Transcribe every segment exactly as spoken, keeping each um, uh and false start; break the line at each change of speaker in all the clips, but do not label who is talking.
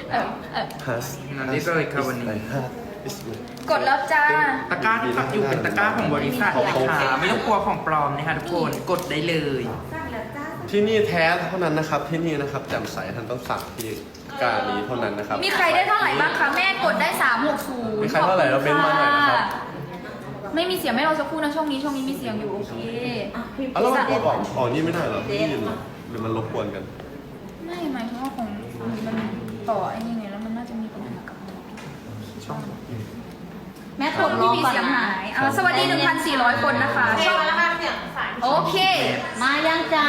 เออเออ
has
นั่นนี่เลยครับวันนี้
กดแล้วจ้า
ตะกร้าที่ปักอยู่เป็นตะกร้าของบริษัทนะคะไม่ต้องกลัวของปลอมนะคะทุกคนกดได้เลย
ที่นี่แท้เท่านั้นนะครับที่นี่นะครับแจ่มใสท่านต้องสั่งที่การนี้เท่านั้นนะครับ
มีใครได้เท่าไหร่บ้างคะแม่กดได้สามหกศูนย์
มีใครเท่าไหร่เราเม้นต์มาหน่อยนะครับ
ไม่มีเสียงไม่เราสักครู่นะช่วงนี้ช่วงนี้มีเสียงอยู่โอเค
เอาแล้วมันกดออกอ๋อนี่ไม่ได้เหรอไม่ได้ยินเหรอหรือมันรบกวนกัน
ไม่หมายถึงว่าของมันต่อไอ้นี่ไงแล้วมันน่าจะมีปัญหากับช่อง
แม่
ค
ก
น
ด
ที่
ร้อง
มี
ก่อน
เสียง
นะ
หายอ่าสวัสดี หนึ่งพันสี่ร้อย คนนะคะช่องโอเค
มายังจ้า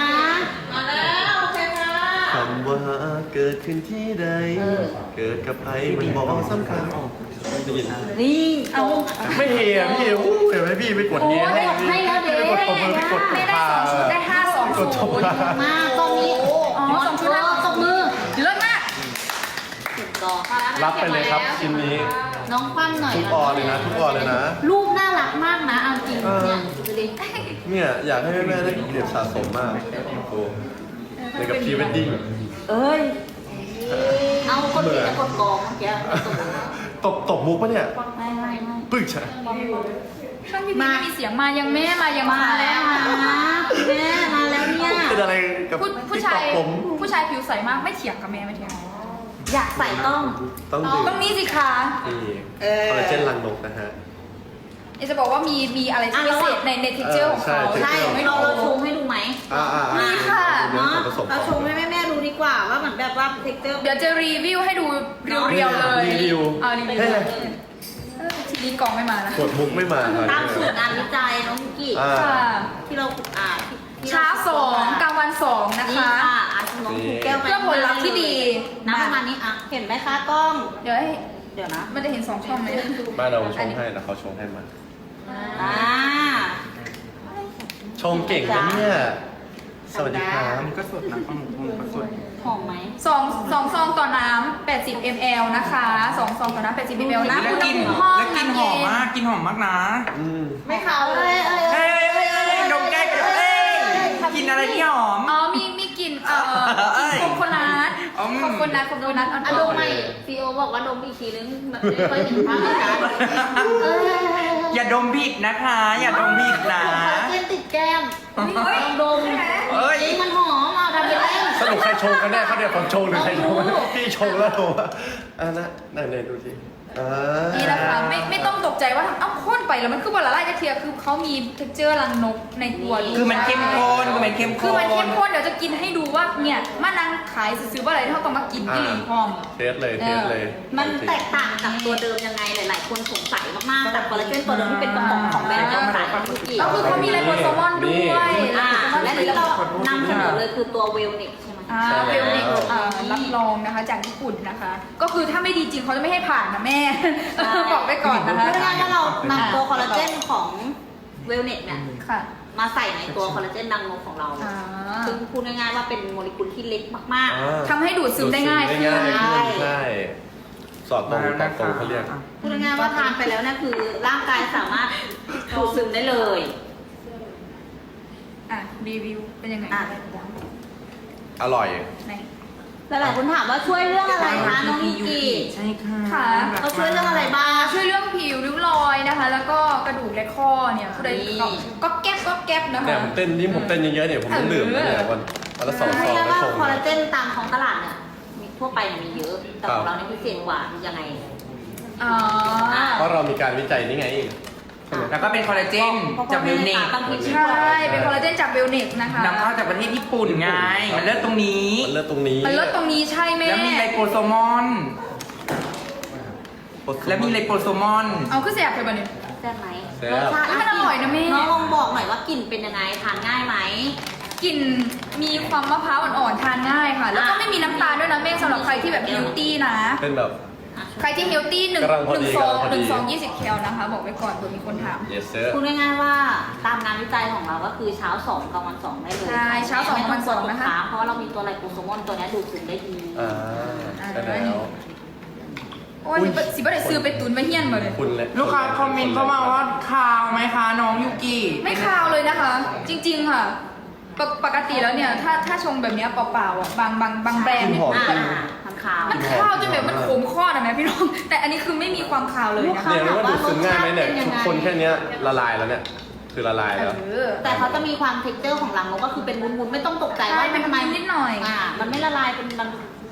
คำว่าเกิดขึ้นที่ใด เกิดกับใครมันบอกสำคัญได้ยิน
นี่
เอา
ไม่เฮียพี่อู้เห็นไหมพี่ไปกดเงี้ย
โอ้ย
ให้แล้วเด้
ไปกดตบมือไปกดตบ
ไม่ได้สองชุดได้ห้าสอง
ก
ชุ
ด
ด
ตบมือ
มาตรงนี้
อ๋อสองชุดห้าตบมือเลิศมาก
ถูกต่อ
รับไปเลยครับชิ้นนี้
น้องคว่ำหน่อย
ทุกออเลยนะทุกออเลยนะ
รูปน่ารักมากนะเอาจริงเนี่ยดูดิ
เนี่ยอยากให้แม่ๆได้เก็บสะสมมากโอ้ในกับพรีเวดดิ้ง
เอ้ย เอาคนที่จะกดกองเมื่อกี้
ตบตบมุกปะเนี่ย
ไม่ไม่ไม่
ปึ๊กใช่
ช่องพี่พีไม่มีเสียงมายังแม่มายัง
มาแล้วนะแม่มาแล้วเนี่ย
เป็นอะไรกับ
ผู้ผู้ชาย
ติ๊กต็อกผม
ผู้ชายผิวใสมากไม่เถียงกับแม่ไม่เถียง
อยากใส่ต้อง
ต้องดื่ม
ตรงนี้สิคะ
นี่คอลลาเจนรังนกนะฮะ
เอจะบอกว่ามีมีอะไรที่พิเศษในในเท็กเจอร์ของเขา
เออ
ใช่
ไม่
เรา
รู้
เราชงให้ดูไหม
อ่าอ่า
มีค่ะ
เดี๋ยว
เนาะ
ผมผสม
เราชงให้แม่ๆดูดีกว่าว่าเหมือนแบบว่าเทคเจอร์
เดี๋ยวจะรีวิวให้ดูเรียวๆเลย
รีวิว
เอารีวิว
เฮ้ย
เลยเออทีนี้กล่องไม่มานะ
กดมุกไม่มาครับ
ตามสูตรงานวิจัยน้องมิกกี้
อ่า
ค่ะ
ที่เราอ่าที่
เช้าสองกลางวันสองนะ
นี่
คะ
ค่ะอาชมองถูกแก้วไป
เพื่อผลลัพธ์ที่ดี
น้ำประมาณนี้อ่ะเห็นไหมคะกล้อง
เดี๋ยวให้
เดี๋ยวนะ
มันจะเห็นสองช่องไหม
บ้านเราชงให้นะเขาชงให้มา
อ่า
ชงเก่งนะเนี่ย สวัสดีครับ
อันนี้ก็สดนะข้าวหมูพวงก็สด
หอมไหม
สองสองซองต่อน้ำแปดสิบมิลลิลิตร นะคะสองซองต่อน้ำแปดสิบมิลลิลิตร น้ำ
แล้ว
อุณห
กิน
ภูมิห้อง
แล้วกินหอมมากกินหอมมากนะ
อืม
ไม่ขาวเลยเอ้ย
เฮ้ยเฮ้ยเฮ้ยเฮ้ยดมแก้มเฮ้ยกินอะไรที่หอม
อ๋อมีมีกลิ่นเอ่อ
เอ้ย
โคโคนัท
อืม
โคโคนัทโคโคนัทอ่อน
อะดมใหม่ซีโอบอกว่าดมอีกทีนึงไม่ค่อยเห็นภาพเลยนะเอ้ย
อย่าดมผิดนะคะ อย่าดมผิดนะ
คอลลาเจนติดแก้มลองดม
เอ้ย
จริงมันหอมเอาทำไปเล่น
สรุปใครชงกันแน่เขาเดี๋ยวผมชงหรือใครชง
ไม่รู้
พี่ชงแล้วเหรอวะอ่ะนะไหนไหนดูสิอ่า
นี่นะคะไม่ไม่ต้องตกใจว่าทำเอ้าข้นไปแล้วมันคือวันละลายกระเทียมคือเขามีเท็กเจอร์รังนกในตัวด้วย
คือมันเข้มข้นคือมันเข้ม
คือ
ข้
มันเข้
น
มข้นเดี๋ยวจะกินให้ดูว่าเนี่ยมานั่งขายซื้อๆว่าอะไรเท่าต้องมากินที่หลีพร้อม
เทสเลยเทสเลย
มันแตกต่างจากตัวเดิมยังไงหลาย ๆ คนสงสัยมากๆแต่คอลลาเจนตัวเดิมที่เป็นกระป๋องของแบรนด์เจ้าสายทุกที
ก็คือเขามีไลโปโซมอนด้วย
อ่าและที่เรานำเสนอเลยคือตัวเวลเน็กใช่ไหม
อ่าเวลเน็กรับรองนะคะจากญี่ปุ่นนะคะ ก็คือถ้าไม่ดีจริงเขาจะไม่ให้ผ่านนะแม่ บอกไว้ก่อนนะคะ
เพราะฉะนั้นถ้าเรานำตัวคอลลาเจนของเวลเน็กเนี่ย
ค่ะ
มาใส่ในตัวคอลลาเจนดังนกของเรา
อ่า
ซึ่งพูดง่ายๆว่าเป็นโมเลกุลที่เล็กมาก
อ่า
ทำให้ดูดซึมได้ง่ายขึ้น
ได้ง่ายขึ้น
ใช่
ใช่ สอดตรงตอดตรงเขาเรียก
ๆ พูดง่ายๆว่าทานไปแล้วเนี่ยคือร่างกายสามารถดูดซึมได้เลย
อ่ะรีวิวเป็นยังไง
อ่ะ
อร่อย
ไหน
หลายๆคนถามว่าช่วยเรื่องอะไรคะน้องมิกกี้
ใช่ค่ะ
ค่ะ
เขาช่วยเรื่องอะไรบ้าง
ช่วยเรื่องผิวริ้วรอยนะคะ แล้วก็กระดูกและข้อเนี่ยผู้ใด
นี่
ก็แก๊บก็แก๊บนะ
เนี่ย
คะ
ผมเต้นนี่ผมเต้นเยอะๆเนี่ยผมต้องดื่มนะเนี่ยวันวันละสองซ
ให้
อง
เรียก
แล้ว
ว่า
ชง
คอลลาเจนตามท้องตลาดเนี่ยมีทั่วไปเนี่ยมีเยอะ แต่ของเราเนี่ยพิเศษกว่ายังไง
อ๋อ
เพราะเรามีการวิจัยนี่ไง
แล้วก็เป็นคอลลาเจนจากเวลเนก
บางที
ใช่ เป็นคอลลาเจนจากเบลเน็กนะคะ
นำเข้าจากประเทศญี่ปุ่นไง มันเลิศตรงนี้
มันเลือดตรงนี้
มันลดตรงนี้ใช่ไหม
แล้วมีไลโปโซมอน แล้วมีไลโปโซมอน
เอาขึ้นแสบไปบ่เนี่ย
แซ่บไหม
แซ่
รส
บ
ชาติ
มันอร่อยนะแม่
น้องลองบอกหน่อยว่ากลิ่นเป็นยังไงทานง่ายไหม
กลิ่นมีความมะพร้าวอ่อนๆทานง่ายค่ะ แล้วก็
อ่ะ
ไม่มีน้ำตาลด้วยนะแม่สำหรับใครที่แบบเฮลตี้นะ
เป็นแบบ
ใครที่เฮลตี้หนึ่ง
กำลังพอ
หนึ่
ดี
งซอง
กำลังพอ
ห
ดี
นึ่งซองยี่สิบแคลนะคะ บอกไว้ก่อนเผื่อมีคนถาม
yes sir
พูดง่ายๆว่าตามงานวิจัยของเราก็คือเช้าสองกลางวันสองได้เลย
ใช่เช้าสองกลางวันสองนะคะ
เพราะว่าเรามีตัวไลโปโซมอนตัวเนี้ยดูดซึมได้ดี
อ่าใช่แล้ว
โอ้ยสิบสิบได้ซื้อไปตุนไปเฮี้ยนมาเลย
คุณเลย
ลูกค้าคอมเมนต์เข้ามาว่าคาวไหมคะน้องยูกิ
ไม่คาวเลยนะคะ จริงๆค่ะปกปกติแล้วเนี่ย ถ้าถ้าชงแบบเนี้ยเปล่าๆอ่ะบางบางบางแบรนด์เนี่ย
หอม
อ่า
จริง
ทำขาว
มันคาวจนแบบมันนะพี่น้องแต่อันนี้คือไม่มีความคาวเลยนะ
เนี่ยมันว่าดูดซึมง่ายไหมเนี่ยทุกคนแค่เนี้ยละลายแล้วเนี่ยคือละลาย
เอ
แล้ว
อ
แต่เขาจะมีความเท็กเจอร์ของรังนกก็คือเป็นวุ้นๆไม่ต้องตกใจว่า
ใช่
มันทำไม
เป็นนิดหน่อย
อ่ามันไม่ละลายเป็นมัน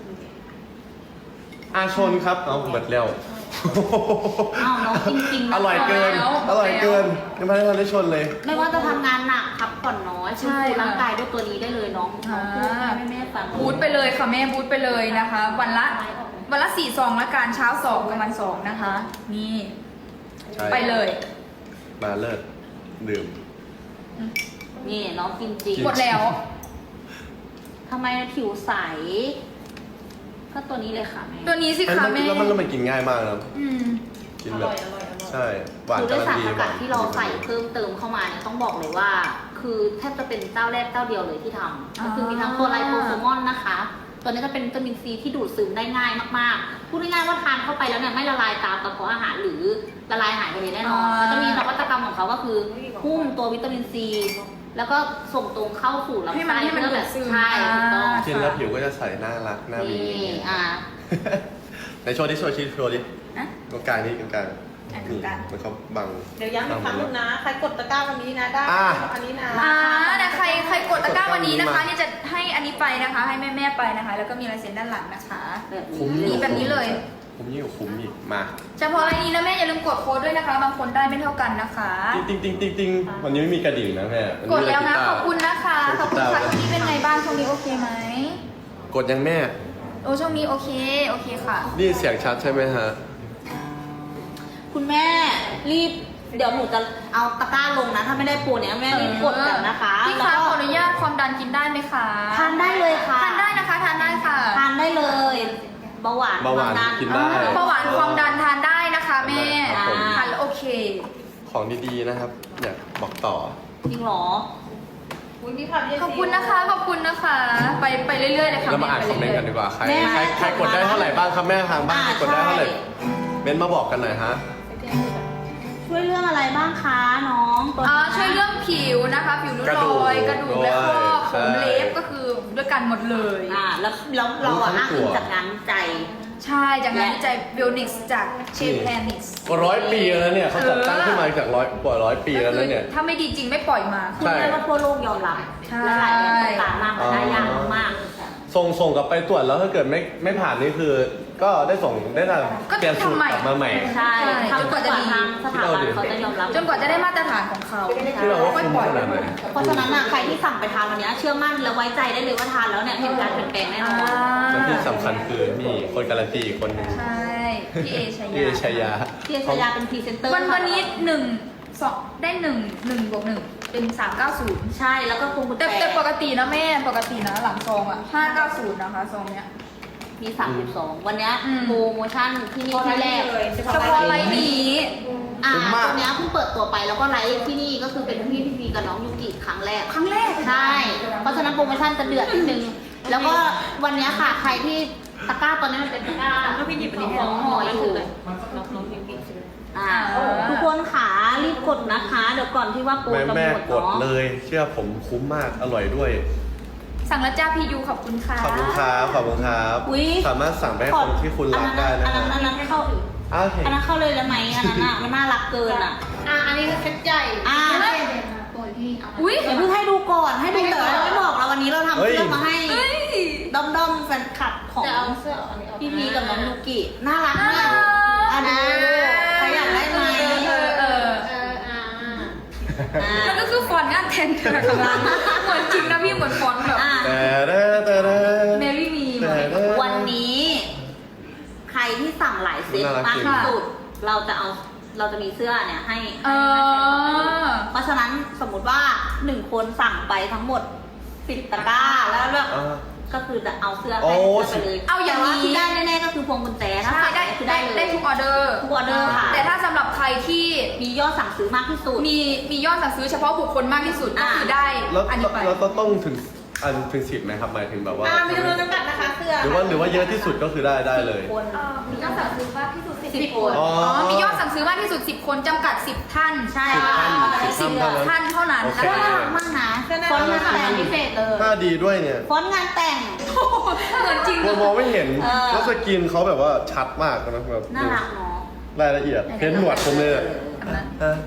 อาชนครับเอาเบิดแล้ว
อ้าวน้องจริงๆ
อร่อยเกิน อร่อยเกินยังไม่ได้ทันได้ชนเลย
ไม่ว่าจะทำงานหนักพักผ่อนน้อย
ใช่
ฟื้นฟูร่างกายด้วยตัวนี้ได้เลยน้องน้องพูดให้แม่ๆฟัง
บูทไปเลยค่ะแม่บูทไปเลยนะคะ วันละวันละสี่ซองละกันเช้าสองกลางวันสองนะคะ นี่
ใช่
ไปเลย
มาเลิศดื่ม
นี่น้องกินจริง
หมดแล้ว
ทำไมผิวใส ก็ตัวนี้เลยค่ะแม่
ตัวนี้สิ
อัน
คะ
นี้
แม่
แล้วมันแล้วมันกินง่ายมากนะ
อืม
กินแบบใช่หวาน
คือด้วย
กำลั
สาง ร
ดี
ส
ห
กั
วา
ด
น
ที่เราใส่เพิ่มเติมเข้ามาเนี่ยต้องบอกเลยว่า คือแทบจะเป็นเจ้าแรกเจ้าเดียวเลยที่ทำก็คือมีทั้งตัวไลโปโซมอนนะคะ ตัวนี้จะเป็นวิตามินซีที่ดูดซึมได้ง่ายมากๆ พูดง่ายๆว่าทานเข้าไปแล้วเนี่ยไม่ละลายตามกระเพาะอาหารหรือละลายหายไปเลยแน่นอน
อ่า
เขาจะมีนวัตกรรมของเขาก็คือหุ้มตัววิตามินซีแล้วก็ส่งตรงเข้าสู่ลำ
ให้มัน
ไส้
ให้มัน
เพื่อ
ดู
แบ
ด
บ
ซึม
ใช่ถูกต้อง
อ่า
กินแล้วผิวก็จะใสน่ารักน่ามี
นี่อ่า
ในโชว์ดิโชว์ชิโชว์ดิ
นะ
ตรงกลางนี่ตรงกลาง
อ่ะตรงกลาง
มันเขาบัง
เดี๋ยวย้ำอีกครั้งนึงนะ ใครกดตะกร้าวันนี้นะได้
อ่า
อันนี้นะ
อ่าแต่ใครใครกดตะกร้าวันนี้นะคะนี่จะให้อันนี้ไปนะคะ ให้แม่แม่ๆไปนะคะ แล้วก็มีลายเซ็นด้านหลังนะคะ
แบบ
คุ้ม
นี้
นี่แบบนี้เลย
คุ้มยิ่งกว่าคุ้มอีกมา
เฉพาะรายนี้นะแม่อย่าลืมกดโค้ดด้วยนะคะ บางคนได้ไม่เท่ากันนะคะ
ติ๊งติ๊งติ๊งติ๊งติ๊งวันนี้ไม่มีกระดิ่งนะแม่น
ก
นี้
ดแล้วนะ
มีต่
ขอบคุณนะคะขอบคุณค่ะช่วงนี้เป็นไงบ้างช่วงนี้โอเคไหม
กดยังแม่
โอ้ช่วงนี้โอเคโอเคค่ะ
นี่เสียงชัดใช่ไหมฮะ
คุณแม่รีบเดี๋ยวหนูจะเอาตะกร้าลงนะ ถ้าไม่ได้โปรเนี่ยแม่รีบกดกันนะคะ
พี่
แล้ว
คะ
ก็
ขออนุญาตความดันกินได้ไหมคะ
ทานได้เลยค่ะ
ทานได้นะคะทานได้ค่ะ
ทานได้เลยเบาหวาน
เบาหวาน
ควมดั
กินได้
เบาหวานความดันทานได้นะคะแม่
ครับผม
ทานแล้วโอเค
ของดีๆนะครับ อยากบอกต่อ
จริงเหรอ
อุ้ยมีผักเย
ขอบคุณนะคะขอบคุณนะคะ ไปไปเรื่อยๆเลยค่ะ
แล้วมาอ่าน
ไป
คอมเมนต์กันดีกว่า ใคร
แม่
ใครใครกดได้เท่าไหร่บ้างครับแม่ทางบ้าน
อ่า
ใครกดได้เท่าไหร่
ใช่
เม้นต์มาบอกกันหน่อยฮะ
ช่วยเรื่องอะไรบ้างคะน้องตัว
อ่า
นี้
ช่วยเรื่องผิวนะคะผิวริ้ว
กระ
ร
ดูก
อยกระดูกและข้อ
ใช่
ผมเล็บก็คือด้วยกันหมดเลย
อ่าแล้วแล้วเราอะอ้างอิงจากงานวิจัย
ใช่จากงานวิจัย Bionics จาก เชฟแพนิกส์
กว่าร้อยปีแล้วเนี่ยเขาจัดตั้งขึ้นมาจากร้อยกว่าร้อยปีแล้วนะเนี่ย
ถ้าไม่ดีจริงไม่ปล่อยมา
คือ
ใช่
เรียกว่าทั่วโลกยอมรับ
ใช่
และหลายแบรนด์ต่างๆมากมันได้ยากมาก
ส่งส่งกลับไปตรวจแล้วถ้าเกิดไม่ไม่ผ่านนี่คือ ก็ได้ส่งได้ท
ก็
ำเปลี่ยนสูตรกลับมาใหม่
ๆใช่
ใช่
ทำกว่าจะทางสถาบันเขาจะยอมรับ
จนกว่าจะได้มาตรฐานของเขา
ที่เราว่า
ค่อย
คุ้ม
ปล่อย
ขนาดไหน
เพราะฉะนั้นอะใครที่สั่งไปทานวันนี้เชื่อมั่นและไว้ใจได้เลยว่าทานแล้วเนี่ยเห็นการเปลี่ยนแปลงแน่นอน
แล้วที่สำคัญคือมีคนการันตีอีกคนหนึง
ใช่พี่เอชายา
พี่เอชายา
พี่ชายาเป็นพรีเซนเตอร์
วันวันนี้หนึ่งสองได้หนึ่งหนึ่งบวกหนึ่งเป็นสามเก้าศูนย์
ใช่แล้วก็พวงกุญ
แต่
แจ
แต่ปกตินะแม่ปกตินะหลังซองอ่ะห้าเก้าศูนย์นะคะซองเนี้ย
มีสามสิบสองวันเนี้ย
อืม
โปรโมชั่นที่นี่ที่แรก
เลย
เฉพาะไลน์นี้
อ่า
คุ้มมาก
ตัวเนี้ยเพิ่งเปิดตัวไปแล้วก็ไลฟ์ที่นี่ก็คือเป็นพี่พี่พีกับน้องยูกิครั้งแรก
ครั้งแรก
ใช่ เพราะฉะนั้นโปรโมชั่นจะเดือดนิดนึง แล้วก็วันเนี้ยค่ะใครที่ตะกร้าตอนนี้มันเป็นตะกร้า
ก็พี่หยิบอันนี้ให้
ส
น้
อ
อง ง
ห่อ
แล้
อ
ว
ยู่
ถือน้องน้องพิมพ์พิมพ์
อ่าทุกคนขารีบกดนะคะ เดี๋ยวก่อนที่ว่าโปร
แม่
จะ
แม่
หมด
กด
เนาะ
เลย เชื่อผมคุ้มมากอร่อยด้วย
สั่งแล้วจ้าพี่ยูขอบคุณค่ะ
ขอบคุณครับขอบคุณครับ
อุ๊ย
สามารถสั่งไปให้คนที่คุณรักได้นะ
อัน
ค
นั้
รับ
นอันนั้นเข้า
อ้าวโอเค
อันนั้นเข้าเลยแล้วไหมอันนั้นอ่ะมันน่ารักเกินอ่ะ
อ่ะอันนี้คือเซ็ตใหญ่
อ่า
อุ้ย
เดี๋ยวเพิ่งให้ดูก่อนให้ดูแต่เราไม่บอกเราวันนี้เราทำ
เฮ้ย
เสื้อมาให้
เฮ้ย
ด้อมด้อมๆแฟนคลับของ
แต่เอาเสื้ออันนี้ออก
พี่พีกับน้องยูกิน่ารัก
น่าม
าก
รัก
อันนี้ใครอยากได้ไหม
เออเออ
เอออ่า
อ่า
มันก็คือฟอนต์งานแทนกันนะคะเหมือนจริงนะพี่เหมือนฟอนต์แบบ
อ่า
แต่เด้อแต่เด้อ
เมรี่มี
แต่เด้อ
วันนี้ ใครที่สั่งหลายเซต
น่ารัก
มาก
จริง
ที่สุดเราจะเอาเราจะมีเสื้อเนี่ยให้
เออ
เพราะฉะนั้นสมมุติว่าหนึ่งคนสั่งไปทั้งหมดสิบตะกร้าแล้วแบบ
อ่า
ก็คือจะเอาเสื้อ
โอ้
ให้เสื้อไปเลย
เอาอย่างนี้
แต่ว่ที่ได้แน่ๆก็คือพวงกุญแจถ้า
ใช่
สั่ง
ได้
คือ
ได้
ได้เลย
ได้ทุกออเดอร์
ทุกออเดอร์ค่ะ
แต่ถ้าสำหรับใครที่
มียอดสั่งซื้อมากที่สุด
มีมียอดสั่งซื้อเฉพาะบุคคลมากที่สุดก็
อ่า
คือได้
แล้ว
อันนี้ไป
แล้วต้องถึงอันถึงสิบไหมครับหมายถึงแบบว่า
อ่ามีจำนวนจำกัดนะคะเสื้อ
หรือว่าหรือว่าเยอะที่สุดก็คือได้ได้เลย
คน
เอ่อมียอดสั่งซื้อมากที่สุด
สิบคน
อ๋อ
อ๋อมียอดสั่งซื้อมากที่สุดสิบคนจำกัดสิบท่าน
ใช่
สิบท่าน
สิบ
สิบท่าน
ท่านเท่านั้น
โอเค
นะ
น่า
คะ
รักมากนะฟอนต์งานแต่งพิเศษเลย
หน้าดีด้วยเนี่ย
ฟอนต์งานแต่ง
เหมือนจริง
เรามองไม่เห็น
เออ
แล้วสกินเขาแบบว่าชัดมากนะแบบ
น่ารักเนาะ
รายละเอียดเพ้นหนวดผมเลยอะฮะ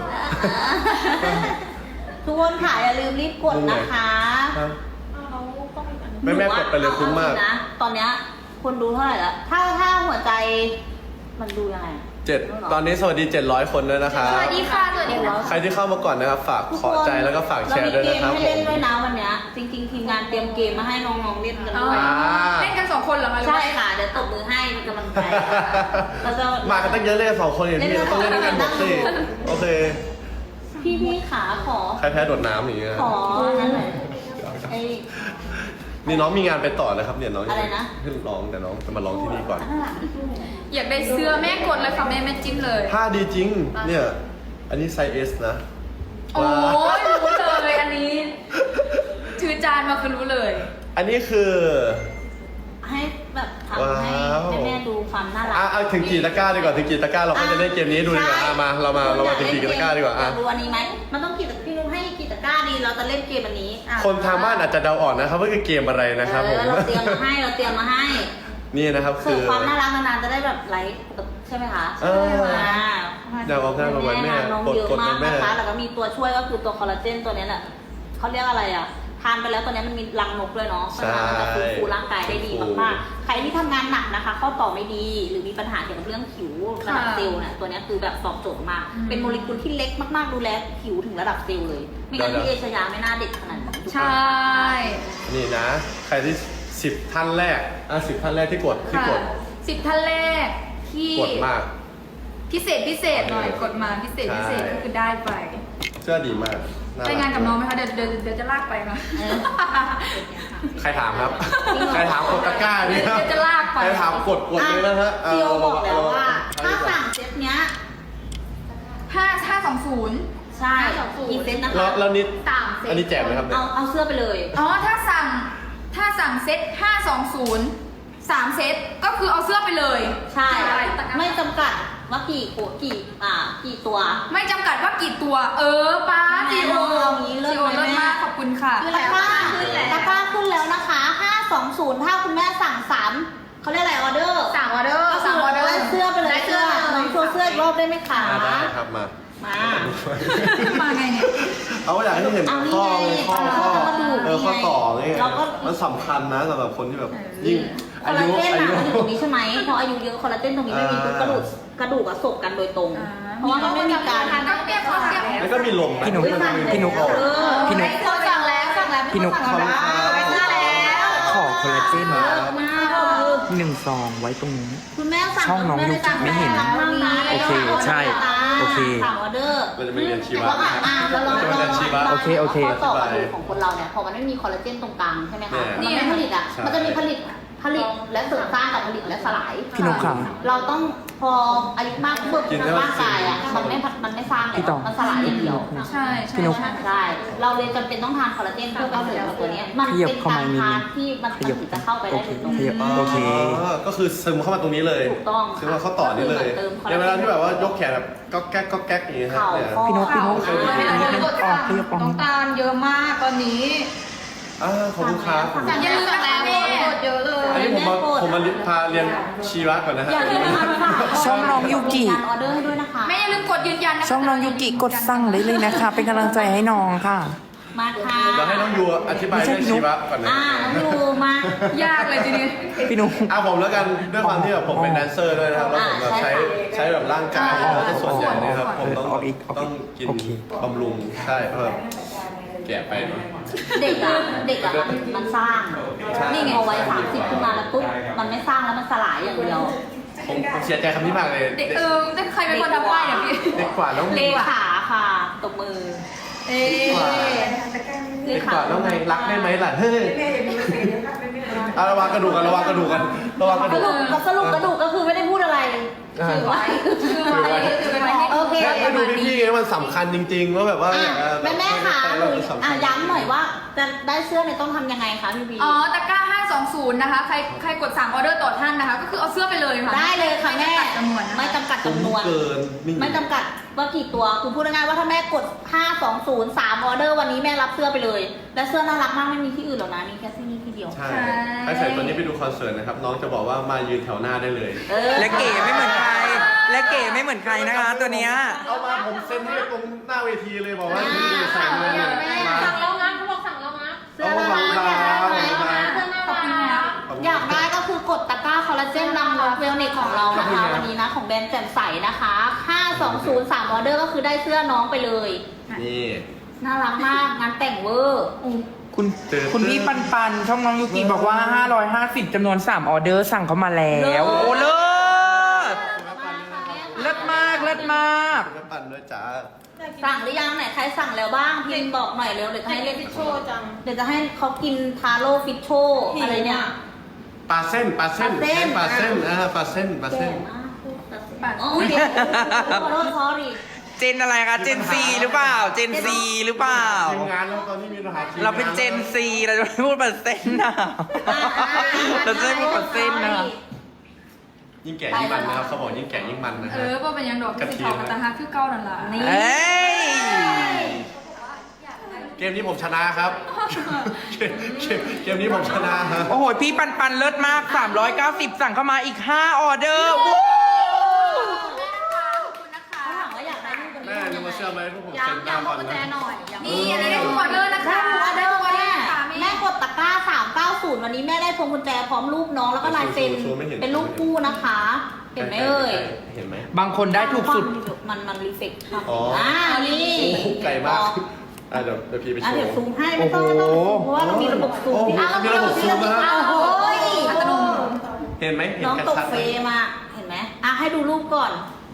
ทุกคนค่ะอย่าลืมรีบกดนะคะ
ครับ
เราต้องอีกอันหนึง
แม่แม่กดไปเลยคุ้มมาก
เอจริงนะตอนเนี้ยคนดูเท่าไหร่ละถ้าถ้าหัวใจมันดูยังไง
เจ็ดตอนนี้สวัสดีเจ็ดร้อยคนด้วยนะคะ
สวัสดีค่ะสวัสดีค่ะ
ใครที่เข้ามาก่อนนะครับ ฝากขอใจแล้วก็ฝากแชร์ด้วยนะครับ
เรามีเกมให้เล่นด้วยนะวันเนี้ยจริงๆทีมงานเตรียมเกมมาให้น้องๆเล่นกัน
อ๋อ
ด้วย
เล่นกันสองคนเหรอคะหรือ
ใช่
ว่า
ค่ะเดี๋ยวตบมือให้เป็นกำลังใจเราจะ
มากันตั้งเยอะเลยสองคนอย่างนี้เราต้องเล่นด้วยกันหมดสิโอเค
พี่พี่ขาขอ
ใครแพ้โดดน้ำอย่างเงี้ย
ขอนั่นหน่อยไอ้
นี่น้องมีงานไปต่อนะครับเนี่ยน้อง
อะไรนะ
ขึ้นร้องแต่น้องจะมาร้องที่นี่ก่อน
ข้างหลัง
อยากได้เสื้อแม่กดเลยค่ะแม่แม่จิ้มเลย
ผ้าดีจริง เนี่ย อันนี้ไซส์ S นะ
โอ้
ว้าวย
รู้เลยอันนี้ถือจานมาคือรู้เลย
อันนี้คือ
ให้แบบทำให้
ว้าว
ให้แม่ดูความน่ารั
อ่ะเอาถึงกี่ตะกร้าดีกว่าถึงกี่ตะกร้าเราก็จะเล่นเกมนี้ดูดีกว่า
ใช่
อ่ะมาเรามาเรามาถึงกี่ตะกร้าดีกว่า
อ
อ่ะ
ยากดูอันนี้ไหมมันต้องกี่ตะพี่นุ้ให้กี่ตะกร้าดีเราจะเล่นเกมอันนี้อ่ะ
คนทางบ้านอาจจะเดาออกนะครับว่าคือเกมอะไรนะครับผม
เออเราเตรียมมาให้เราเตรียมมาให้
นี่นะครับ
เสิ
คื
ร์ฟ
อ
ความน่ารักนานๆจะได้แบบไลฟ์ใช่ไหมคะ
เออ
อ่า
เดี๋ยวเอาหน้ามาไว้แม่
น้อง
กด
เยอะ
กด
มา
ไป
ก
แม่
นะคะแล้วก็มีตัวช่วยก็คือตัวคอลลาเจนตัวเนี้ยแหละเขาเรียกอะไรอ่ะทานไปแล้วตัวเนี้ยมันมีรังนกด้วยเนาะเพราะฉะนั้นมันจะฟื้นฟูร่างกายได้ดีมากๆใครที่ทำงานหนักนะคะข้อต่อไม่ดี หรือมีปัญหาเกี่ยวกับเรื่องผิวระดับเซลล์เนี่ยตัวเนี้ยคือแบบตอบโจทย์มาก
อืม
เป็นโมเลกุลที่เล็กมากๆดูแลผิวถึงระดับเซลล์เลยไม่งั้น
เดี๋ยว
พี่เอชยาไม่น่าเด็กขนาดนี้
ใช่
นี่นะ ใครที่สิบท่านแรกอ่ะสิบท่านแรกที่กดที่
ค่ะ
กด
สิบท่านแรกที่
กดมาก
พิเศษพิเศษหน่อยกดมาพิเศษพิเศษ
ใช่
ก็คือได้ไป
เสื้อดีมาก
ไปงานกับน้องไหมคะเดี๋ยวเดี๋ยวเดี๋ยวจะลากไปนะ
เออ
ใครถามครับ ใครถามกดตะกร้านี่ครับ
เดี๋ยวจะลากไป
ใครถามกดกดเลยนะฮะ
พี่โอบอกแล้วว่า
เอ
ถ้า
เอ
สั่งเซตเนี้ย
ห้าห้าสองศูนย์
ใช่กี่เซตนะคะ
แล้วแล้วนิด
สามเซต
อันนี้แจกไหมครับเนี่ย
เอาเอาเสื้อไปเลย
อ๋อถ้าสั่งถ้าสั่งเซตห้าสองศูนย์สามเซตก็คือเอาเสื้อไปเลย
ใช่
ตะกร้า
ไม่จำกัดว่ากี่โขดกี่อ่ากี่ตัว
ไม่จำกัดว่ากี่ตัว เออป้า
แน่
จีโอ
เอางี้เลิศ
จีโอ
ไหม
เลิศ
แม่
มากขอบคุณค่ะ
ตะกร้าตะกร้าขึ้นแล้วนะคะห้าสองศูนย์ถ้าคุณแม่สั่งสามเขาเรียกอะไรออเดอร์
สั่งออเดอร์
ก็คื
สั่งออเดอร์
ได้เสื้อไปเลย
ได้เสื้อ
น้องโชว์เสื้ออีกรอบได้ไหมคะ
อ่าได้ครับมา
มา
มาไงเนี่ย
เอาอยากให้เห็น
เอานี่
ข้อ
ไง
เลยข้อ
เอา
ข้อ
ข้อกระดูก
เออข้อ
นี่ไง
ต่อไง
เราก็
มันสำคัญนะสำหรับคนที่แบบ
เออ
ยิ่ง
คอ
อา
ลลา
ยุ
เจน
อา
อะ
ยุ
มันอยู่ตรงนี้ใช่ไหมพออายุเยอะคอลลาเจนตรงนี้ไม่มีปุ๊บกระดูกกระดูกอะสบกันโดยตรง
อ่า
เพราะว่ามันไม่มีการ
ก็เก็บก็เก็บ
แล้วก็มีลมะ
พี่นุ๊ก
แล้วก็มี
พี่นุ๊ก
ข้อ
เออ
พี่นุ๊ก
เขาสั่งแล้วสั่งแล้ว
พี่นุ๊ก
สั่งแล้วไปเสื้อแล้ว
ขอคอลลาเจน
เยอะมากเลย
หนึ่งซองไว้ตรงนี้
คุณแม่สั่ง
ช่องน้อง
คุณแ
ยูกิไม่เห็น
สั่งข้างใน
โอเคใช่โอเค
สั่งออเดอร์
เราจะไปเรียนชีวะ
แล้วอ่ะอ่ะแล้วเรา
จะไปเรียนชีวะ
โอเคโอเค
ข้อต่อกระดูกของคนเราเนี่ยพอมันไม่มีคอลลาเจนตรงกลางใช่ไหมคะ
เนี่ย
มันไม่ผลิตอ่ะ
ใช่
มันจะมีผลิตผลิตและเสริมสร้างกับผลิตและสลาย
พี่นุ๊กค่ะ
เราต้องพออายุมากปุ๊บ
กินแล้ว
ร่างกายอ่ะมันไม่มันไม่สร้าง
พี่
แล้
ต่
ว
อ
มันสลายอย่างเดียว
ใช่ใช่
พี่นุ๊ก
ใช่
ใช่ เราเลยจำเป็นต้องทานคอลลาเจนเพื่อการเสริมตัวเนี้ยมัน
ขยับ
เป็น
เข้า
การ
มานิดนึง
ทานที่มัน
ขยับ
ถึงจะเข้าไปได้โดยตรง
ขยับ โอเค
อ๋อก็คือซึมเข้ามาตรงนี้เลย
ถูกต้อง
ซึมมาเข้าต่อนี่เลย
ก็คือเหมือนเติม
ในเวลาที่แบบว่ายกแขนแบบก็แก๊กก็แก๊กอย่างเงี้ยครับ
เข่า
เนี่ย
ข้อ
พี่นุ๊กพี่นุ๊ก
เข่า
นิดนึงออกขยับออก
น้องตาลเยอะมากตอนนี้
อ่าขอบคุณครับ
สั่งอย่าลืมนะคะแม่กดเยอะเลย
อันนี้ผมมาผมมาพาเรียนชีวะก่อนนะฮะ
อย่าลืมนะคะ
ช่องน้องยูกิ
มีารออเดอร์ให้ด้วยนะคะ
แม่อย่าลืมกดยืนยันนะคะ
ช่องน้องยูกิกดสั่งได้เลยนะคะ เป็นกำลังใจให้น้องค่ะ
มาค่ะ
เดี๋ยวให้น้องยูอธิบาย
ไม่ใช่
เรื่อง
พี่นุ๊
ชี
ก
วะก่อนนะ
อ่าน้องยูมา
ยากเลยทีนี้
พี่นุ๊ก
อ่ะผมแล้วกันด้วยความที่แบบผมเป็นแดนเซอร์ด้วยนะครับแล้วผมแบบใช้ใช้แบบร่างกาย
อ่า
แล้วก็ส่วนใหญ่เนะครับผมต้อง
เอาอีกเอาอีก
ต้องกิน
โอเค
บำรุงใช่เพราะแบบแก่ไปเนอะ
เด็กอะเด็กอะมันมันสร้าง
ใช่
นี่ไงพอวัยสามสิบขึ้นมาแล้วปุ๊บมันไม่สร้างแล้วมันสลายอย่างเดียว
ผมผมเสียใจคำนี้มากเลย
เด็กเออแต่ใครเป็นคนทำป้ายเนี่ยพี่
เด็กกว่าแล้ว
เลขาค่ะตบมือ
เอ๊
เด็กกว่าแล้วไงรักได้ไหมล่ะเฮ้ยอ่ะระวังกระดูกกันระวังกระดูกกันระวังกระ
ส
ดูก
รุปสรุปกระดูกก็คือไม่ได้พูดอะไร
ถือไว้ถือไว้ถือไว้ให้
โอเค
ให้ดูพี่ๆไงมันสำคัญจริงๆว่าแบบว่า
อ่ะ
เออ
แม่แม่ๆค่ะห
เรา
นู
สำคั
อ่ะ
ญ
ย้ำหน่อยว่าจะได้เสื้อเนี่ยต้องทำยังไงคะพี่บี
อ๋อตะกร้าห้าสองศูนย์นะคะใครใครกดสั่งออเดอร์ต่อท่านนะคะ ก็คือเอาเสื้อไปเลยค่ะ
ได้เลยค่ะแม่
ไม่จำกัดจำนวนนะคะ
ไม่จำกัดจำนวน
เกินนี่
ไม่จำกัดว่ากี่ตัวคุณพูดง่ายๆว่าถ้าแม่กดห้า สอง ศูนย์ สามออเดอร์วันนี้แม่รับเสื้อไปเลย และเสื้อน่ารักมากไม่มีที่อื่นหรอกนะมีแค่ที่นี่ที่เดียว
ใช่ถ้าใส่ตัวนี้ไปดูคอนเสิร์ตนะครับ น้องจะบอกว่ามายืนแถวหน้าได้เลย
เออ
และเก๋ไม่เหมือนใคร และเก๋ไม่เหมือนใครนะคะ ตัวเนี้ย
เอามาผมเซ็นให้ตรงหน้าเวทีเลยบอกว่านี่ใส่เลยมา
สั่งแล้วนะเขาบอกสั่งแล้วนะ
เสื้อน่ารักอยากได้ไหม
เสื้อน่ารัก
อยากได้ก็คือกดตะกร้าคอลลาเจนนำรถเวลเนกของเรานะคะวันนี้นะของแบรนด์แจ่มใสนะคะห้า สอง ศูนย์ สามออเดอร์ก็คือได้เสื้อน้องไปเลย
นี่
น่ารักมากงานแต่งเวอร์
คุณ
เจอ
คุณพี่ปันปันช่องน้องยูกิบอกว่า ห้าร้อยห้าสิบจำนวนสามออเดอร์สั่งเข้ามาแล้ว โอ้เลิศเลิศมากเลิศมาก
คุณปั่นด้วยจ้า
สั่งหรือยังไหนใครสั่งแล้วบ้างพิมพ์บอกหน่อยเร็วเดี๋ยวจะให้เล่น
โชว์จัง
เดี๋ยวจะให้เขากินทาโร่ฟิชโชอะไรเนี่ย
ปลาเส้นปลาเส้น
ปลาเส้น
ปลาเส้นอ่าปลาเส้นปลาเส้น
ก่งมากพูดตัดสินอ๋อโอเคขอโทษ sorry
เจนอะไรคะ เจนซีหรือเปล่า เจนซีหรือเปล่า
ทีมงานแล้วตอนนี้มีปัญหาทีมง
เราเป็นเจนซีเราจะไม่พูดเปอร์เซ็นต์นะเราจะไม่พูดเปอร์เซ็นต์นะ
ยิ่งแก่ยิ่งมันนะครับเขาบอกยิ่งแก่ยิ่งมันนะ
เอ
ฮะ
อว่าเป็นยังดอกที่สิทอกระตาฮักคือเก้านั่นล่ะ
นี่
เอ้ย
เกมนี้ผมชนะครับ เกมเกมเกมนี้ผมชนะฮะ
โอ้โห พี่ปันปันเลิศมาก สามร้อยเก้าสิบ สั่งเข้ามาอีก ห้า ออเดอร์ว้าว
เขาถามว่าอยากได้รูปกัน
แม่ดูมาเชื่อไหมพวกผม
ย้
เซ็นห
ำ
น้า
ย้ำ
ก่
ว่า
อน
กุญแจ
นะ
หน่อย
นี่อันนี้ได้ทุกออเดอร์นะคะ
ได้ทุกออเดอร์
ได้ทุกออเดอร์
แม่
ค่ะ
แม่กดตะกร้าสามเก้าศูนย์วันนี้แม่ได้พวงกุญแจพร้อมรูปน้องแล้วก็ลายเซ็นเป็นรูปคู่นะคะ เห็นไหมเอ่ย
เห็นไหม
บางคนได้ถูกสุด
มันมันรีเฟกต์ครับ
อ๋ออ่
อ่านี่
โอ้โหไกลมากอ่ะเดี๋ยวเดี๋ยวพี่ไปโช
อ่ะเดี๋ยว
ว์
ซูมให้ไม่ต้องไม่ต้องเพราะว่าเรามีระบบซูม
โอ้โห
อ่ะ
มีระบบซูมนะครับ
อ้าวโอ้ย
อัตโนมัติ
เห็นไหมเห็น
น้อง
กระ
ตก
ชัด
เฟ
ไหม
รมอ่ะเห็นไหมอ่ะให้ดูรูปก่อน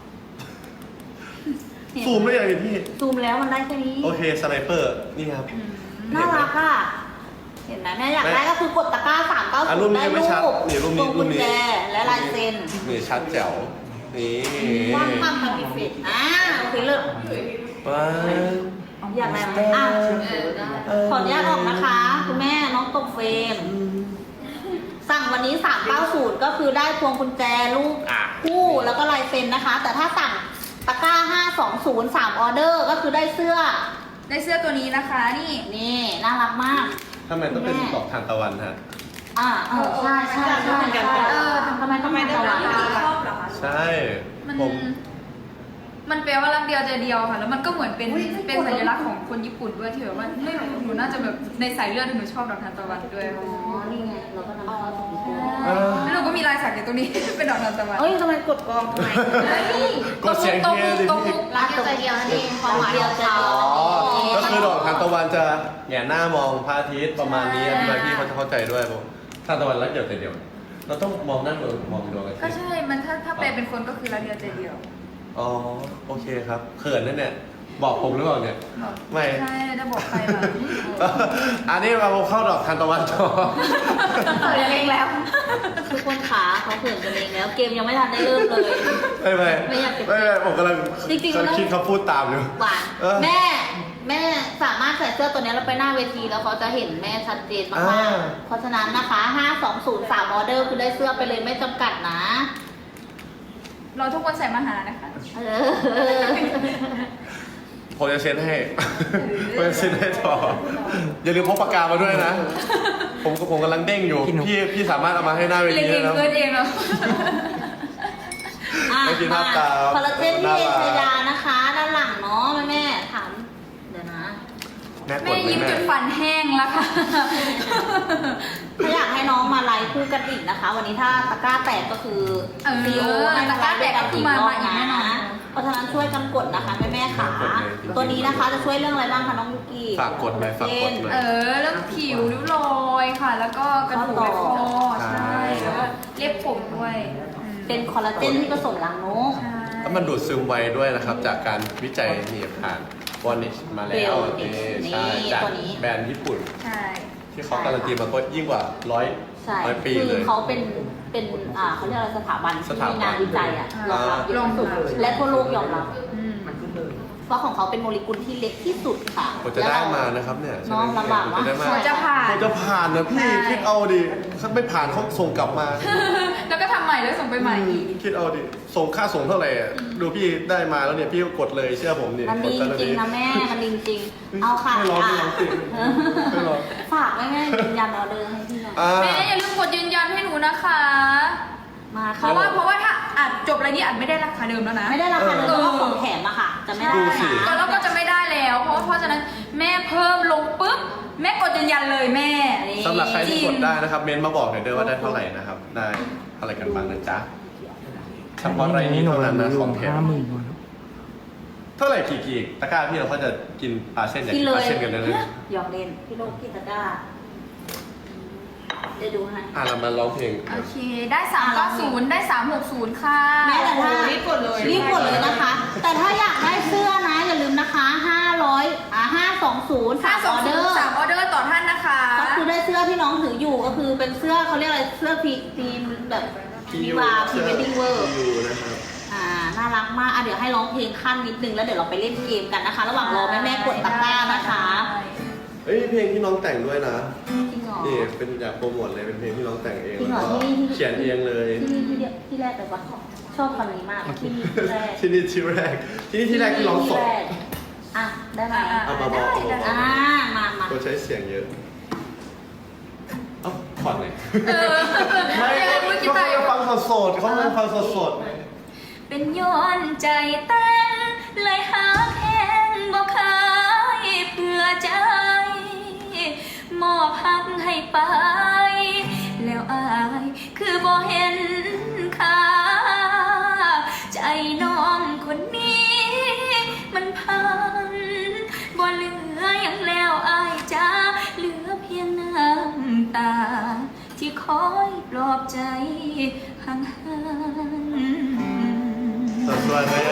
ซูมได้ยังไงพี่
ซูมแล้วมันได้แค่นี้
โอเคสไนเปอร์นี่ครับ
น่ารักอ่ะ เห็นไหมแม่อยากได้ก็คือกดตะกร้าสามเก้า
อ่ะ
ศู
รู
น
ป
ย์
นี้
ได้
ไม่
รู
ชัด
ป
นี่รูป
พ
นี้
วง
รู
กุ
ป
ญ
นี้
แจและลายเซ็น
นี่ชัดแจ๋วนี่
ว่างความทำพิเศษอ่าโอเคเลิก
ว้าว
อยากอะไรไหมอ่ะขออนุญาตออกนะคะ คุณแม่น้องตกเฟรม สั่งวันนี้สามเก้าศูนย์ก็คือได้พวงกุญแจรูป
อ่ะ
คู่แล้วก็ลายเซ็นนะคะ แต่ถ้าสั่งตะกร้าห้า สองศูนย์ สามออเดอร์ก็คือได้เสื้อ
ได้เสื้อตัวนี้นะคะนี่
นี่น่ารักมาก
ทำไมต้องเป็นดอกทานตะวันฮะ
อ่าเออใช่ใช่ใช่ใช่เออทำไมต้องเป็นตะวัน
ชอบเหรอคะ
ใช่
มัน
ผม
มันแปลว่ารักเดียวใจเดียวค่ะ แล้วมันก็เหมือนเป็นเป็นสัญลักษณ์ของคนญี่ปุ่นด้วยที่แบบว่าไม่รู้หนูน่าจะแบบในสายเลือดหนูชอบดอกทานตะวันด้วย
อ๋อ นี่ไงเราก็นำเข้าสู่พิธี
เออ
แล้วหนูก็มีลายสักอยู่ตรงนี้ เป็นดอกทานตะวัน
เอ้ยทำไมกดกองทำไม
กดเสียง
ตรง
เฮี
มุ
ย
ก
ดิ
ตรงมุ
พี่
ก
รักใจเดียวนี่ความหมายเดียวใจเดียว
อ๋อ ก็คือดอกทานตะวันจะแหงนหน้ามองพระอาทิตย์ประมาณนี้อธิบายพี่เขาจะเข้าใจด้วยผมทานตะวันรักเดียวแต่เดียว เราต้องมองหน้าดวงมองดวงอาทิ
ก็
ตย์
ใช่ มันถ้าถ้าแปลเป็นคนก็คือรักเดียวใจเดียว
อ๋อ โอเคครับ เขินนั่นเนี่ย บอกผมหรือเปล่าเนี่ย
บอก
ไม่
ใช่จะบอกใครล่ะ
อันนี้เราเข้าดอกทานตะวันต่อ
เออเองแล้ว
ทุกคนขาเขาเขินกันเองแล้ว เกมยังไม่ทันได้เริ่มเลย
ไม่ไม่
ไม่อยากจะ
ไม่ไม่ผมกำลัง
จริงๆมันต้อง
คิดคำพูดตามอยู่
หวาน
เออ
แม่ แม่สามารถใส่เสื้อตัวนี้แล้วไปหน้าเวทีแล้วเขาจะเห็นแม่ชัดเจนมาก
อ่า
ๆเพราะฉะนั้นนะคะห้า สอง ศูนย์ สามออเดอร์คือได้เสื้อไปเลยไม่จำกัดนะ
เราทุกคนใส่มาหานะคะ
เออ
ผมจะเซ็นให้ ผมจะเซ็นให้ต่อ อย่าลืมพกปากกามาด้วยนะ ผมผมกำลังเด้งอยู่
พี่หนุ่ม
พี่พี่สามารถเอามาให้หน้าเว
เรีย
ที
นเอง
ได้นะ
เกินเองเนาะ
อ่ะ
ไม่กิน
มา
น้ำตาล
คอลลาเจนพี่เอ
น่ารัก
ชยานะคะ ด้านหลังเนาะแม่แม่ถามเดี๋ยวนะ
แม่ก
แม่
ดไหม
ยิ้ม
แม่
จนฟันแห้งแล้วค่ะ
ถ้าอยากให้น้องมาไลฟ์คู่กันอีกนะคะ วันนี้ถ้าตะกร้าแตกก็คือ
เออ
ซีโอให้
ตะกร้าแตกก็คือมามาอีกแน่นอน
เพราะฉะนั้นช่วยกันกดนะคะแม่แม่ๆขาตัวนี้นะคะจะช่วยเรื่องอะไรบ้างคะน้องยุกี้
ฝากกดหน่อยฝากกดหน่อย
เออเรื่องผิวริ้วรอยค่ะ แล้วก็กระดูกและคอใช่แล้วก็เล็บผมด้วยอืม
เป็นคอลลาเจนที่ผสมหลังนก
ใช่
แล้วมันดูดซึมไวด้วยนะครับ จากการวิจัยนี่ผ่านวอนิชมาแล้ว
Wellness
นี่
นี่
ใช่จาก
ตัวนี้
แบรนด์ญี่ปุ่น
ใช่
ที่เขาการันตีมาก็ยิ่งกว่าร้อย
ใช่
ร้อยปี
คื
เล
อย เขาเป็นเป็นอ่าเขาเรียกอะไรสถาบัน
ส
ที่
ถาบัน
มีงานวิจัยอ่ะยอมรับเย
ล
อะ
อง
ที่สุด
ดู
และทั่วโลกยอมรับ
อืม
เพราะของเขาเป็นโมเลกุลที่เล็กที่สุดค่ะ
ผมจะได้มานะครับเนี่ย
น้องลำบากมาก
จะได้มา
หัวจะผ่าน
ผมจะผ่านนะพี่
ใช่
คิดเอาดิถ้าไม่ผ่านเขาส่งกลับมา
แล้วก็ทำใหม่แล้วส่งไปใหม่อีก
คิดเอาดิส่งค่าส่งเท่าไหร่อะดูพี่ได้มาแล้วเนี่ยพี่ก็กดเลยเชื่อผมดิ
มันดี
ก
จ
ด
ริงๆนะแม่ มันดีจริงๆเอาค่ะ
ไม่ร้องไม่ร้องจริงไม่ร้อง
ฝากไว้แม่ยืนยันออเดอร์ให้พี่หน่อย
อ่า
แม่อย่าลืมกดยืนยันให้หนูนะคะ
มา
เพ
ค่ะ
ราะว่าเพราะว่าถ้าอัดจบอะไรนี่อัดไม่ได้ราคาเดิมแล้วนะ
ไม่ได้ราคาเดิมเพราะว่าของแถมอะค่ะ จะไม่ได้
ดูสิ
ก็
นะ
แล้วก็จะไม่ได้แล้ว เพราะว่าเพราะฉะนั้นแม่เพิ่มลงปุ๊บแม่กดยืนยันเลยแม่
สำหรับใครที่กดได้นะครับ เมนต์มาบอกหน่อยเด้อว่าได้เท่าไหร่นะครับ ได้อะไรกันบ้างนะจ๊ะเฉพาะรายนี้เท่านั้นนะของแถม
ห้าหมื่นกว่าแล้ว
เท่าไหร่กี่กี่ตะกร้าพี่เราก็จะกินปลาเส้นอยาก
กิ
กิ
น
น
เล
ปลาย เส้นกันเลยนะ
หยอกเล่นพี่โลกพี่ตะกร้าเดี๋ยวดูให้
อ่ะเรามาร้องเพลง
โอเค ได้สามเก้าศูนย์ได้สามหกศูนย์ค่ะ
แม้แต่ถ้า
รีบกดเลย
รีบกดเลยนะคะ แต่ถ้าอยากได้เสื้อนะอย่าลืมนะคะห้าร้อยอ่าห้าสองศูนย์
ค่า
สามอ
ส่ง
อเดอร์
สามออเดอร์ต่อท่านนะคะ
ก็คือได้เสื้อที่น้องถืออยู่ก็คือเป็นเสื้อเขาเรียกอะไรเสื้อพีทีมแบบวิวาพรีเวดดิ้งเวอร์
อยู่นะครับ
อ่าน่ารักมากอ่ะเดี๋ยวให้ร้องเพลงขั้นนิดนึงแล้วเดี๋ยวเราไปเล่นเกมกันนะคะ ระหว่างรอแม่แม่ๆกดตะกร้านะคะ
เอ้ยเพลงที่น้องแต่งด้วยนะ
จริงเหรอ
นี่เป็นอยากโปรโมทเลยเป็นเพลงที่น้องแต่งเอง
จริงเหรอ
แล้วก็
ที่
เขียนเองเลย
ที่นี่ที่เดียวที่แรกแต่ว่าชอบคำนี้มากที่นี่ที่แรก
ที่นี่ที่แรกที่นี่ที่แรกที่ร้องสด
ที่แรกอ่ะได้ไหม
อ่ะ
เอาเบาๆ
ได้ได้
อ่ามามา
เขาใช้เสียงเยอะเอ้าผ่อนเลย
เออ
ไม่
เมื่อกี้
เขา
ตาย
จะฟังสดๆเขาจะฟังสด
เป็นย้อนใจเต้นเลยหาแค้นบ่เคยเพื่อใจ มอบหักให้ไป แล้วอายคือบ่เห็นค่า ใจน้องคนนี้ มันพังบ่เหลืออย่างแล้วอายจ้าเหลือเพียงน้ำตา ที่คอยปลอบใจห่างๆ
ๆสดๆเลย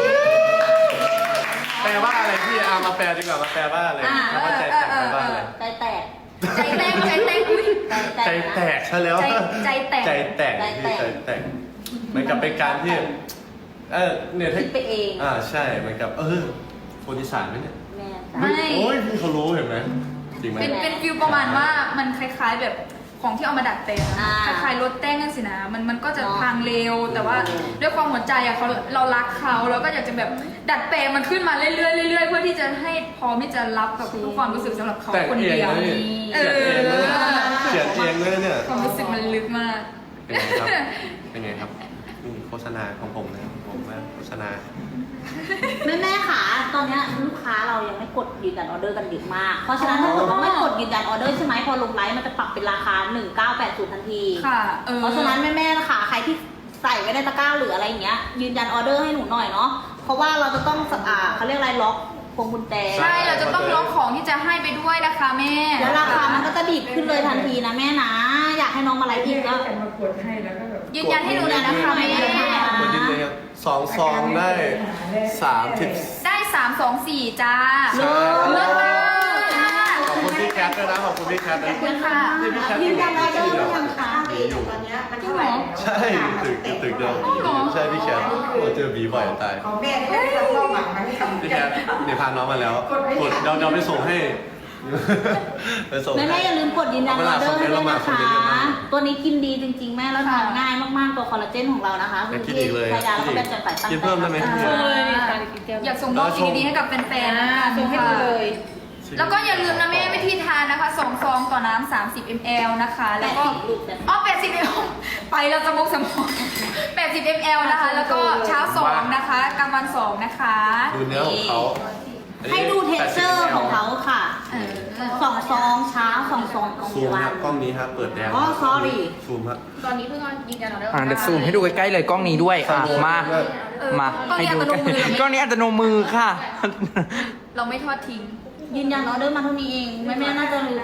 แปลว่าอะไรพี่เอามาแปลดีกว่ามาแปลว่าอะไร
อ่า
คำว่าใจแตกแปลว่าอะไร
ใจแตก
ใจแตกใจแตกอุ้ย
ใจแตกใช่แล้ว
ใจใจแตก
ใจแตกพี่ใจแตกเหมือนกับเป็นการที่เออเนี่ยถ้า
คิดไปเอง
อ่าใช่เหมือนกับเออคนอีสานไหมเนี่ย
แม่
ไม่
โอ้ยพี่เขารู้เห็นไหมจริงไหม
เป็นเป็นฟิลประมาณว่ามันคล้ายๆแบบของที่เอามาดัดแปลงอะคล้ายๆรถแต้งนั่นสินะมันมันก็จะพังเร็ว แต่ว่าด้วยความหัวใจอะเขาเรารักเขาเราก็อยากจะแบบดัดแปลงมันขึ้นมาเรื่อยๆเรื่อยๆเพื่อที่จะให้พร้อมที่จะรับกับทุกความรู้สึกสำหรับเขา
แต่ง
คน
เอง
เดียว
นะนี่เขียนเองนะเนี่ยเขียนเองเลยเนี่ย
ความรู้สึกมันลึกมาก
เป็นไงครับ เป็นไงครับนี่โฆษณาของผมนะครับผมว่าโฆษณา
แม่แม่ๆค่ะตอนเนี้ยลูกค้าเรายังไม่กดยืนยันออเดอร์กันเยอะมาก เพราะฉะนั้นถ้าเกิดว่าไม่กดยืนยันออเดอร์ใช่ไหมพอลงไลฟ์มันจะปรับเป็นราคาหนึ่งเก้าแปดศูนย์ทันที
ค่ะเออ
เพราะฉะนั้นแม่แม่ๆค่ะใครที่ใส่ไว้ในตะกร้าหรืออะไรอย่างเงี้ยยืนยันออเดอร์ให้หนูหน่อยเนาะเพราะว่าเราจะต้องอ่าเขาเรียกอะไรล็อกพวงกุญแจ
ใช่เราจะต้องล็อกของที่จะให้ไปด้วยนะคะแม่
แล้วราคามันก็จะดีดขึ้นเลยทันทีนะแม่นะ อยากให้น้องมาไลฟ์อีกก็
ยืนยันให้หนูหน่อยนะคะแม่
กดดินเลยครับสองซองได้สามสิบ
ได้สามสองสี่จ้า
ใช่
เลิศมาก
ขอบคุณพี่แคทด้วยนะขอบคุณพี่แคทนะ
ขอบคุณค่ะ
นี่พี่แคท
ยืนยันออเดอร์หรือยังคะ
มีอยู่
ตอนเนี้ยมันเท่าไหร่
ใช่ตึกตึกเดียวใช่พี่แคทโอ้เจอบีบ่อยตาย
ของแม่ที่ได้รับความหวังมันทำ
พี่แคทเนี่ยพาน้องมาแล้วกดเดี๋ยวเดี๋ยวไปส่งให้ไปส่ง
แม่
ให้
แม่อย่าลืมกดยืนยันออเดอร์ให้ด้วยนะ
เวลาคอมเมนต์
คะ
เรามา
ตัวนี้กินดีจริงๆ แม่แล้วทานง่ายมากๆตัวคอลลาเจนของเรานะคะ
อยากกินอีกเลย
พยาแล้วก็เป็นจัดสายตั้ง
กินเพิ่มได้ไหม
ใจ
อยากส่งมอบสิ่งดีๆให้กับแฟนๆนะคะส่งให้ดูเลย แล้วก็อย่าลืมนะแม่วิธีทานนะคะสองซองต่อน้ำสามสิบมิลลิลิตร นะคะ แล้วก็อ๋อแปดสิบมิลลิลิตร ไปแล้วจะมุกสมองแปดสิบมิลลิลิตร นะคะ แล้วก็เช้าสองนะคะกลางวันสองนะคะ
ดูเนื้อของเขา
ให้ดูเท็กเจอร์ของเขาค่ะ
เออ
สองซองเช้าสองซองกลาง
ซูม
วั
ฮะ
น
กล้องนี้ฮะเปิดแดง
อ๋อ sorry
ซูมฮะ
ตอนนี้เพิ่งยืนยันออเดอร์
อ่าเดี๋ยวซูมให้ดูใกล้ๆเลยกล้องนี้ด้วยอ่ะมา มาให้ดูใกล้กล้องนี้อัตโนมือค่ะ
เราไม่ทอดทิ้ง
ยืนยันออเดอร์มาเท่านี้เองแม่แม่ๆน่าจะรู้